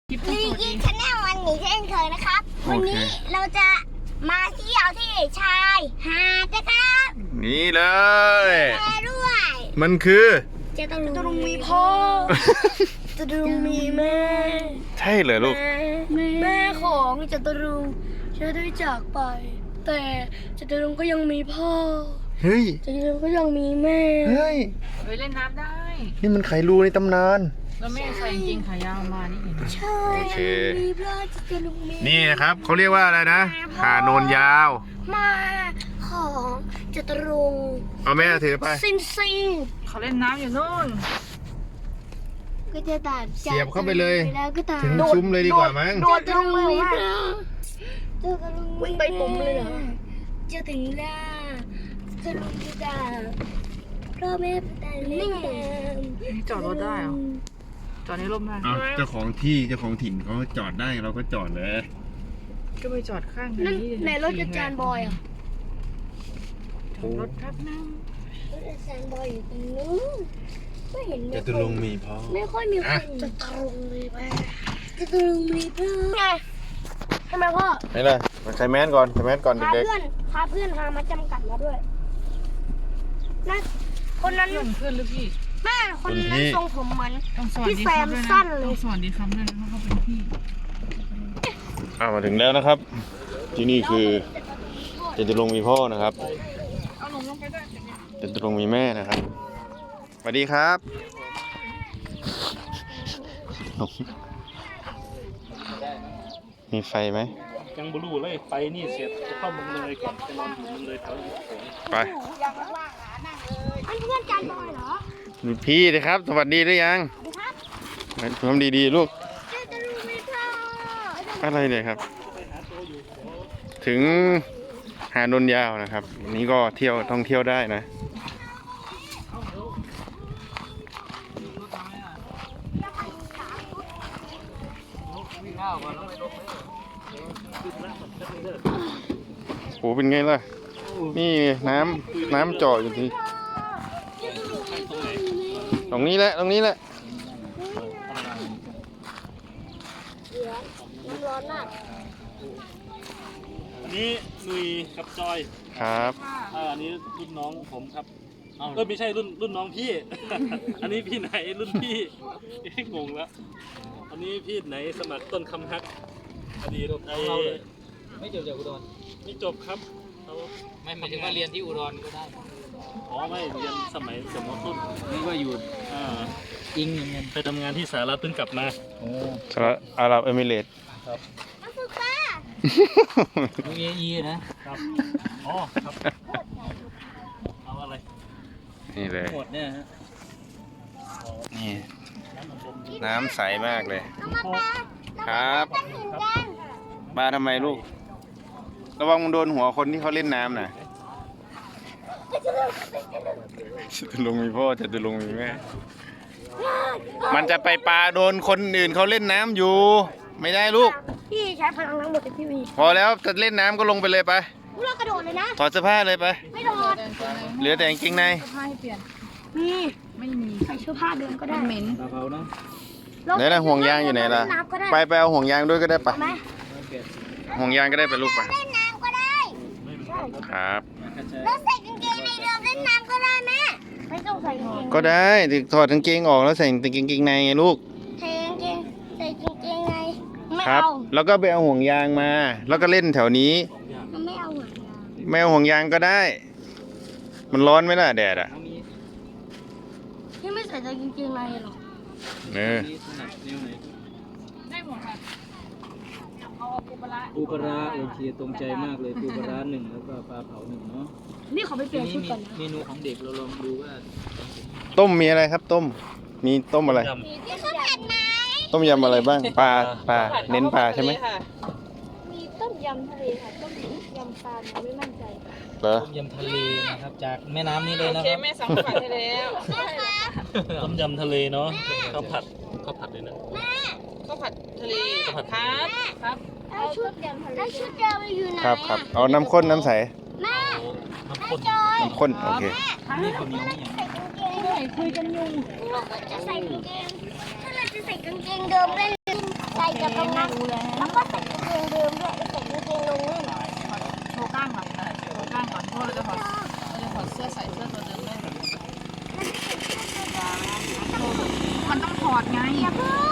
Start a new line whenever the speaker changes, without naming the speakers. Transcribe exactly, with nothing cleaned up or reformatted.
ลีกี้ชาแนลวันนี้เช่นเคยนะครับวันนี้เราจะมาเที่ยวที่ชายหาดนะครับ
นี่เลย
แม่ด้วย
มันคือ
จะต้องมีพ่อจะต้องมีแม่
ใช่เหรอลูก
แม่ของจตุรงค์จะได้จากไปแต่จตุรงค์ก็ยังมีพ่อ
เฮ้ย
จตุรงค์ก็ยังมีแม่
เฮ้ย
ไปเล่นน้ำได้
นี่มันไขรูในตำนาน
แล้วแม่ใส่กางเกงขายาวมานี่เห็นไหม
ใช่
โอเค
มีพระจตุรงค์มี
นี่นะครับเขาเรียกว่าอะไรนะหาโนนยาว
มาของจตุรงค์
เอาแม่ถือไป
ซินซิง
เขาเล่นน้ำอยู่นู่น
ก็จะตัด
เสียบเข้าไปเลยถึง
โดด
ซุ้มเลยดีกว่ามั้ง
โดดลงเลยว่าวิ่งไปปุ่มเลยเหรอจะถึงแล้วจะลงจะด่าเพราะแม่ตายไม่ตาม
จอดรถได้เหรอจอดในร่มได้
เจ้าของที่เจ้าของถิ่นเขาจอดได้เราก็จอดเลย
ก็ไปจอดข้าง
นี้ในรถอาจารย์บอยอ่ะ
จอดรถครับนั่ง
รถอาจารย์บอยอยู่ตรงนู้นไม่เห็น
จะตุลงมีพ่อ
ไม่ค่อยมีคนจะตุลงมีแม่จะตุลงมีพ่อไงทำไมพ่อ
ไม่เลยมาใส่แมสก่อนใส่แมสก่อนเด็ก
ๆพาเพื่อนพาเพื่อนพามาจำกัดมาด้วยนั่นคนนั้น
เพื่อนหรือพี่
แม่คนนั้นทรงผมเหมือนพี่แซม
สั้
นเลย
สวัสดีครับด้วยนะเขาเป็นพี่
อ่ามาถึงแล้วนะครับที่นี่คือจตุรงค์มีพ่อนะครับจตุรงค์มีแม่นะครับสวัสดีครับมีไฟไหม
ยังบลูเลยไปนี่เสร็จจะเข้าเมืองเลยก่อนจะนอนอยู่เมืองเลยแถว
ไป
อันเพื่อนจานบอยเหรอ
พี่เลยครับสวัสดีหรือยังทำดีๆลูกอะไรเนี่ยครับถึงหาดนยาวนะครับวันนี้ก็เที่ยวท่องเที่ยวได้นะโอ้เป็นไงล่ะนี่น้ำน้ำเจาะอยู่ที่ตรงนี้แหละตรงนี้แหละ
อันนี้นุยกับจอย
ครับ
อันนี้รุ่นน้องผมครับเออไม่ใช่รุ่นรุ่นน้องพี่อันนี้พี่ไหนรุ่นพี่งงแล้วอันนี้พี่ไหนสมัครต้นคำฮักอดีตไอ
ไม่จบจากอุดร
ไม่จบครับ
ไม่หมายถึงว่าเรียนที่อุดรก็ได้
อ๋อไม่เรียนสมัยสมต้น
นี่ว่าอยู่
อ่า
อิงเงิน
ไปทำงานที่สหรัฐเพิ่งกลับมา
โอ้สหรัฐอาหรับเอมิเรตส์
ครับ
นักศึกษา
ยูเออีนะครับ
อ๋อครับเอาอะไร
นี่เลย
หมดเนี่ยฮะ
นี่น้ำใสมากเลยครับมาทำไมลูกระวังมันโดนหัวคนที่เขาเล่นน้ำน่ะจะลงมีพ่อจะลงมีแม่มันจะไปปลาโดนคนอื่นเขาเล่นน้ำอยู่ไม่ได้ลูก
พี่ใช้พลังทั้งหมดที่พี่มี
พอแล้วจะเล่นน้ำก็ลงไปเลยไป
เรากระโดดเลยนะ
ถอดเสื้อผ้าเลยไป
ไม่โดด
เหลือแต่กางเกงใน
มี
ไม่มี
ใส่เสื้อผ้าเดินก็ได้
เหม็น
เราเนาะ
ไหนล่ะห่วงยางอยู่ไหนล่ะไปไปเอาห่วงยางด้วยก็ได้ปะห่วงยางก็ได้ไปลูกไป
เล่นน้ำก็ได้
ครับ
แล้วใส่กางเกงในเดิมเล่นน้ำก็ได้แม่ไม่ต้องใส่กางเกง
ก็ได้ถอดกางเกงออกแล้วใส่กางเกงในไงลูก
ใส่กางเกงใส่กางเกงในไม่
เอาแล้วก็ไปเอาห่วงยางมาแล้วก็เล่นแถวนี้
ไม่เอาห่วงยาง
ไม่เอาห่วงยางก็ได้มันร้อนไหมล่ะแดดอ่ะ
ที่ไม่ใส่กางเกงในหรอ
เออ
ได้หมดค่ะเอาปูปลา
ปูปลาโอเคตรงใจมากเลยปูปลาหนึ่งแล้วก็ปลาเผาหนึ่งเนาะ
นี่เขาไปเปลี่ยนชุดก่อนนะ
เมนูของเด็กเราลองดูว่า
ต้มมีอะไรครับต้มมีต้มอะไร
มีข้าวผัดไหม
ต้มยำอะไรบ้างปลาปลาเน้นปลาใช่ไหม
มีต้มยำทะเลค่ะต้มยำปลาไม่มั่นใจ
เหรอ
ต้มยำทะเลนะครับจากแม่น้ำนี้เลยนะ
โอเคแม่สั่งผัดให้แล้ว
ต้มยำทะเลเนาะข้าวผัดข้าวผัดเลยนะ
ข้าวผัดทะเลครับครับ
เอาชุดยำทะเลเอาชุดยำไปอยู่ไหน
ครับครับเอาน้ำข้นน้ำใส
แม่
น้ำข้น
น้ำข้นโอเค
นี่คนนี้นี่
ใส่กางเกงใส่คุยกันอยู่เราก็จะใส่กางเกงถ้าเราจะใส่กางเกงเดิมเล่นใส่กจากตรงนั้นแล้วก็ใส่กางเกงเดิมด้วยแล้วใส่กางเกงลงเล่น
โชว์กล้ามก่อนนะโชว์กล้ามก่อนเพราะเราจะถอดเราจะถอดเสื้อใส่เสื้อตัวเดิมได้มันต้องถอดไง
อย่าเพิ่ง